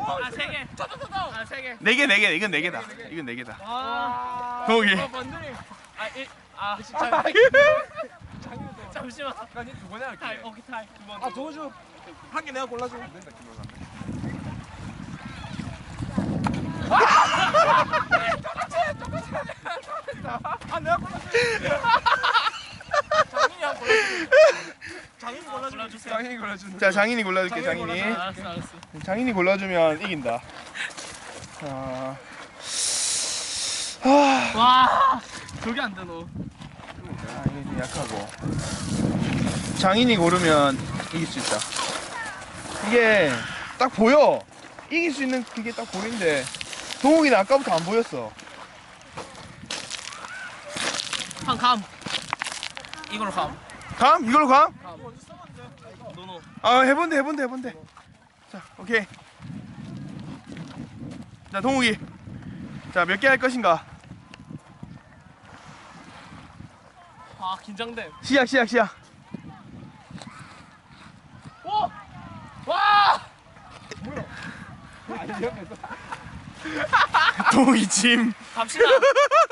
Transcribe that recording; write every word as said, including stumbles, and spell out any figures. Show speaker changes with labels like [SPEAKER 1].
[SPEAKER 1] 아, 세 개. 아, 세 개.
[SPEAKER 2] 네 개, 네 개. 이건 네 개다. 이건 네 개다.
[SPEAKER 1] 아.
[SPEAKER 2] 동욱이.
[SPEAKER 1] 아, 번들이. 아, 일. 아, 잠시만.
[SPEAKER 3] 아니 두 번이야
[SPEAKER 1] 타이.
[SPEAKER 3] 이렇게.
[SPEAKER 1] 오케이, 타이. 두 번.
[SPEAKER 3] 아 도와줘. 한 개 내가 골라줘. 안 된다 김호가. 아 내가 골라줘.
[SPEAKER 1] 장인이 한 골라. 장인이 골라 주세요.
[SPEAKER 3] 장인이 골라주는.
[SPEAKER 2] 자, 장인이 골라줄게,
[SPEAKER 3] 장인이
[SPEAKER 2] 장인이.
[SPEAKER 3] 골라줘.
[SPEAKER 1] 알았어, 알았어.
[SPEAKER 2] 장인이 골라주면 이긴다. 자. 아,
[SPEAKER 1] 와. 저게 안 되노.
[SPEAKER 2] 아, 이게 좀 약하고. 장인이 고르면 이길 수 있다. 이게 딱 보여. 이길 수 있는 그게 딱 보이는데 동욱이는 아까부터 안 보였어.
[SPEAKER 1] 한 감. 이걸로 감.
[SPEAKER 2] 감? 이걸로 감?
[SPEAKER 1] 노노.
[SPEAKER 2] 아, 해본대, 해본대, 해본대. 자, 오케이. 자, 동욱이. 자, 몇 개 할 것인가?
[SPEAKER 1] 아, 긴장돼.
[SPEAKER 2] 시작, 시작, 시작.
[SPEAKER 1] 오! 와!
[SPEAKER 2] 동욱이 짐.
[SPEAKER 1] 갑시다.